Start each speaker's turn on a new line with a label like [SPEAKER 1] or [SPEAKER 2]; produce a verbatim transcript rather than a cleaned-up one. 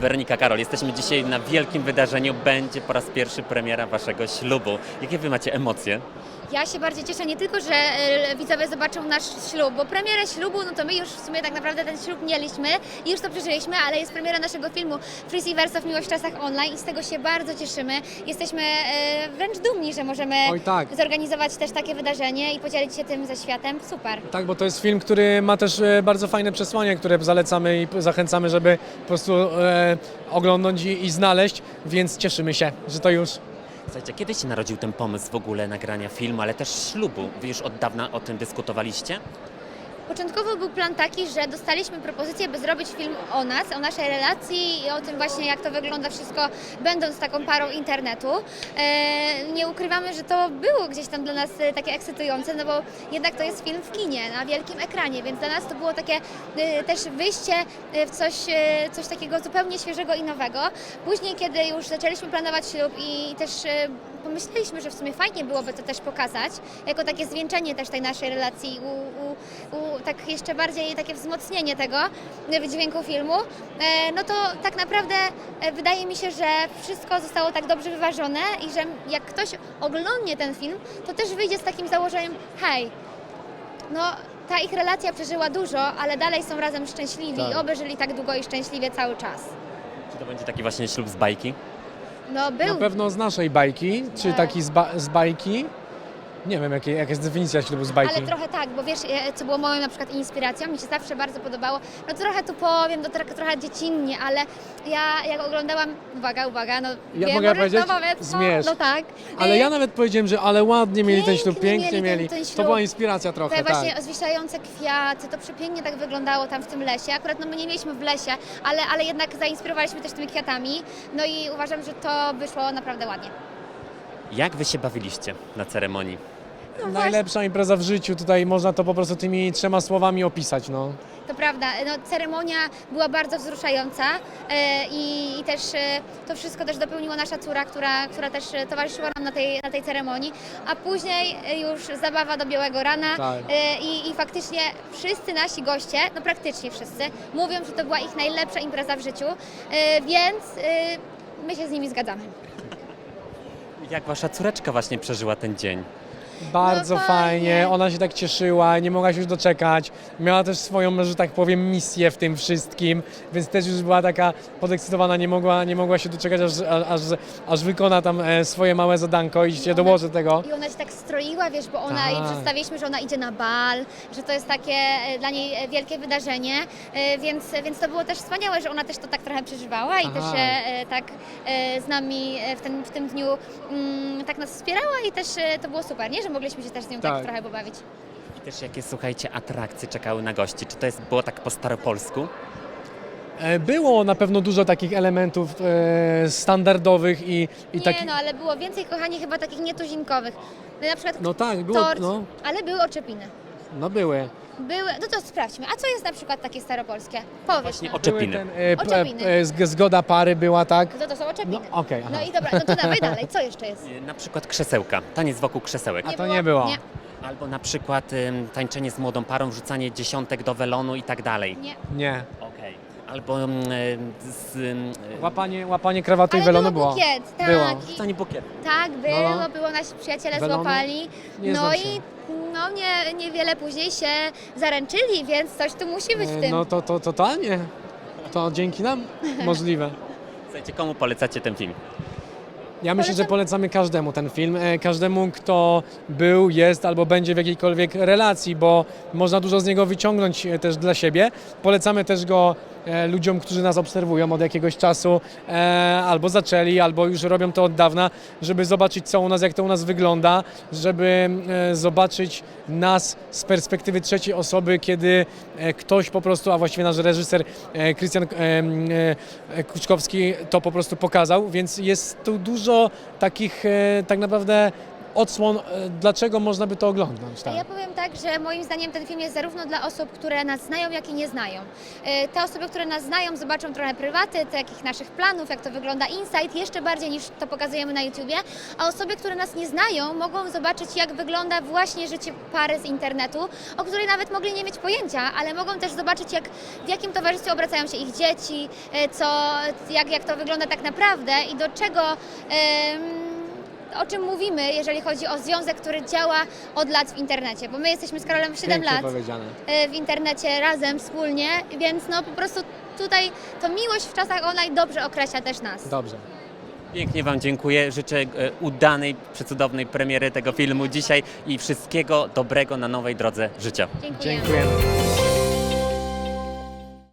[SPEAKER 1] Weronika, Karol, jesteśmy dzisiaj na wielkim wydarzeniu. Będzie po raz pierwszy premiera waszego ślubu. Jakie wy macie emocje?
[SPEAKER 2] Ja się bardzo cieszę nie tylko, że e, widzowie zobaczą nasz ślub, bo premierę ślubu, no to my już w sumie tak naprawdę ten ślub mieliśmy i już to przeżyliśmy, ale jest premiera naszego filmu Freezy Wersow Miłość w czasach online i z tego się bardzo cieszymy. Jesteśmy e, wręcz dumni, że możemy
[SPEAKER 3] Oj, tak.
[SPEAKER 2] zorganizować też takie wydarzenie i podzielić się tym ze światem. Super.
[SPEAKER 3] Tak, bo to jest film, który ma też e, bardzo fajne przesłanie, które zalecamy i p- zachęcamy, żeby po prostu e, oglądnąć i, i znaleźć, więc cieszymy się, że to już.
[SPEAKER 1] Słuchajcie, kiedy się narodził ten pomysł w ogóle nagrania filmu, ale też ślubu? Wy już od dawna o tym dyskutowaliście?
[SPEAKER 2] Początkowo był plan taki, że dostaliśmy propozycję, by zrobić film o nas, o naszej relacji i o tym właśnie, jak to wygląda wszystko, będąc taką parą internetu. E, nie ukrywamy, że to było gdzieś tam dla nas e, takie ekscytujące, no bo jednak to jest film w kinie, na wielkim ekranie, więc dla nas to było takie e, też wyjście e, w coś, e, coś takiego zupełnie świeżego i nowego. Później, kiedy już zaczęliśmy planować ślub i też e, pomyśleliśmy, że w sumie fajnie byłoby to też pokazać, jako takie zwieńczenie też tej naszej relacji, u, u, u, tak jeszcze bardziej takie wzmocnienie tego wydźwięku filmu, e, no to tak naprawdę e, wydaje mi się, że wszystko zostało tak dobrze wyważone i że jak ktoś oglądnie ten film, to też wyjdzie z takim założeniem, hej, no ta ich relacja przeżyła dużo, ale dalej są razem szczęśliwi
[SPEAKER 3] Tak.
[SPEAKER 2] i oby żyli tak długo i szczęśliwie cały czas.
[SPEAKER 1] Czy to będzie taki właśnie ślub z bajki?
[SPEAKER 2] No był.
[SPEAKER 3] Na pewno z naszej bajki, czy
[SPEAKER 2] Tak.
[SPEAKER 3] taki z, ba- z bajki. Nie wiem, jakie, jaka jest definicja ślubu z bajki.
[SPEAKER 2] Ale trochę tak, bo wiesz, e, co było moją na przykład inspiracją, mi się zawsze bardzo podobało, no trochę tu powiem, to trochę, trochę dziecinnie, ale ja jak oglądałam, uwaga, uwaga, no
[SPEAKER 3] Ja
[SPEAKER 2] wiem,
[SPEAKER 3] mogę
[SPEAKER 2] możesz
[SPEAKER 3] powiedzieć?
[SPEAKER 2] to powiedz,
[SPEAKER 3] Zmierz.
[SPEAKER 2] no, no tak.
[SPEAKER 3] Ale
[SPEAKER 2] E,
[SPEAKER 3] ja nawet powiedziałem, że ale ładnie mieli ten ślub,
[SPEAKER 2] pięknie
[SPEAKER 3] pięknie
[SPEAKER 2] mieli ten-
[SPEAKER 3] mieli.
[SPEAKER 2] ten ślub.
[SPEAKER 3] To była inspiracja trochę,
[SPEAKER 2] Te właśnie
[SPEAKER 3] tak.
[SPEAKER 2] zwisające kwiaty, to przepięknie tak wyglądało tam w tym lesie. Akurat no my nie mieliśmy w lesie, ale, ale jednak zainspirowaliśmy też tymi kwiatami. No i uważam, że to wyszło naprawdę ładnie.
[SPEAKER 1] Jak wy się bawiliście na ceremonii?
[SPEAKER 2] No właśnie,
[SPEAKER 3] Najlepsza impreza w życiu, tutaj można to po prostu tymi trzema słowami opisać, no.
[SPEAKER 2] to prawda. No, ceremonia była bardzo wzruszająca e, i, i też e, to wszystko też dopełniła nasza córa, która, która też e, towarzyszyła nam na tej, na tej ceremonii, a później e, już zabawa do białego rana
[SPEAKER 3] Tak.
[SPEAKER 2] e, i, i faktycznie wszyscy nasi goście, no praktycznie wszyscy, mówią, że to była ich najlepsza impreza w życiu, e, więc e, my się z nimi zgadzamy.
[SPEAKER 1] Jak wasza córeczka właśnie przeżyła ten dzień?
[SPEAKER 3] Bardzo
[SPEAKER 2] No
[SPEAKER 3] fajnie.
[SPEAKER 2] fajnie.
[SPEAKER 3] Ona się tak cieszyła, nie mogła się już doczekać. Miała też swoją, że tak powiem, misję w tym wszystkim, więc też już była taka podekscytowana, nie mogła, nie mogła się doczekać, aż, aż, aż wykona tam e, swoje małe zadanko i się
[SPEAKER 2] ona-
[SPEAKER 3] dołoży tego.
[SPEAKER 2] I ona się tak stroiła, wiesz, bo ona, jej
[SPEAKER 3] Tak.
[SPEAKER 2] przedstawiliśmy, że ona idzie na bal, że to jest takie e, dla niej e, wielkie wydarzenie, e, więc, więc to było też wspaniałe, że ona też to tak trochę przeżywała i
[SPEAKER 3] Aha.
[SPEAKER 2] też e, e, tak e, z nami e, w, ten, w tym dniu mm, tak nas wspierała i też e, to było super, nie? Że mogliśmy się też z nią tak,
[SPEAKER 3] Tak.
[SPEAKER 2] trochę pobawić.
[SPEAKER 1] I też jakie, słuchajcie, atrakcje czekały na gości? Czy to jest, było tak po staropolsku?
[SPEAKER 3] E, Było na pewno dużo takich elementów e, standardowych i, i
[SPEAKER 2] Nie,
[SPEAKER 3] takich.
[SPEAKER 2] no ale było więcej, kochani, chyba takich nietuzinkowych. Na przykład
[SPEAKER 3] No tak, było,
[SPEAKER 2] tort,
[SPEAKER 3] no,
[SPEAKER 2] ale były oczepiny.
[SPEAKER 3] no były.
[SPEAKER 2] Były, no to sprawdźmy. A co jest na przykład takie staropolskie? Powiedz
[SPEAKER 1] Właśnie
[SPEAKER 2] nam.
[SPEAKER 1] oczepiny.
[SPEAKER 3] Były ten, e, p-
[SPEAKER 2] Oczepiny.
[SPEAKER 3] e, zg- zgoda pary była, tak?
[SPEAKER 2] No to są oczepiny.
[SPEAKER 3] No okej, aha.
[SPEAKER 2] No i dobra, no to dawaj dalej. Co jeszcze jest?
[SPEAKER 1] Y, Na przykład krzesełka, taniec wokół krzesełek.
[SPEAKER 3] A to nie było.
[SPEAKER 2] Nie,
[SPEAKER 1] Albo na przykład ym, tańczenie z młodą parą, wrzucanie dziesiątek do welonu i tak dalej.
[SPEAKER 2] nie.
[SPEAKER 3] Nie.
[SPEAKER 1] Okej. Albo ym, y, z, ym, y,
[SPEAKER 3] Łapanie, łapanie krawatu i
[SPEAKER 2] Ale
[SPEAKER 3] welonu
[SPEAKER 2] było
[SPEAKER 3] było.
[SPEAKER 2] bukiet, tak.
[SPEAKER 3] Było.
[SPEAKER 2] I,
[SPEAKER 1] rzucanie bukietu.
[SPEAKER 2] tak, było,
[SPEAKER 3] No.
[SPEAKER 2] było, nasi przyjaciele
[SPEAKER 3] Welonu?
[SPEAKER 2] złapali.
[SPEAKER 3] Nie
[SPEAKER 2] No
[SPEAKER 3] znam
[SPEAKER 2] i
[SPEAKER 3] się.
[SPEAKER 2] no nie, niewiele później się zaręczyli, więc coś tu musi być w
[SPEAKER 3] E,
[SPEAKER 2] tym.
[SPEAKER 3] No to, to totalnie. To dzięki nam możliwe.
[SPEAKER 1] Słuchajcie, komu polecacie ten film?
[SPEAKER 3] Ja myślę, że
[SPEAKER 2] Polecam-
[SPEAKER 3] polecamy każdemu ten film, e, każdemu, kto był, jest albo będzie w jakiejkolwiek relacji, bo można dużo z niego wyciągnąć e, też dla siebie. Polecamy też go e, ludziom, którzy nas obserwują od jakiegoś czasu, e, albo zaczęli, albo już robią to od dawna, żeby zobaczyć, co u nas, jak to u nas wygląda, żeby e, zobaczyć nas z perspektywy trzeciej osoby, kiedy e, ktoś po prostu, a właściwie nasz reżyser e, Krystian e, e, Kuczkowski to po prostu pokazał, więc jest tu dużo takich e, tak naprawdę odsłon, e, dlaczego można by to oglądać. Tak.
[SPEAKER 2] Ja powiem tak, że moim zdaniem ten film jest zarówno dla osób, które nas znają, jak i nie znają. E, Te osoby, które nas znają, zobaczą trochę prywaty, takich naszych planów, jak to wygląda inside, jeszcze bardziej niż to pokazujemy na YouTubie, a osoby, które nas nie znają, mogą zobaczyć, jak wygląda właśnie życie pary z internetu, o której nawet mogli nie mieć pojęcia, ale mogą też zobaczyć, jak, w jakim towarzystwie obracają się ich dzieci, e, co, jak, jak to wygląda tak naprawdę i do czego... em, o czym mówimy, jeżeli chodzi o związek, który działa od lat w internecie, bo my jesteśmy z Karolem siedem
[SPEAKER 3] Pięknie
[SPEAKER 2] lat
[SPEAKER 3] powiedziane.
[SPEAKER 2] e, w internecie razem, wspólnie, więc no po prostu tutaj to miłość w czasach online dobrze określa też nas.
[SPEAKER 3] Dobrze.
[SPEAKER 1] Pięknie Wam dziękuję. Życzę e, udanej, przecudownej premiery tego filmu dzisiaj i wszystkiego dobrego na nowej drodze życia.
[SPEAKER 2] Dziękujemy.
[SPEAKER 3] Dziękujemy.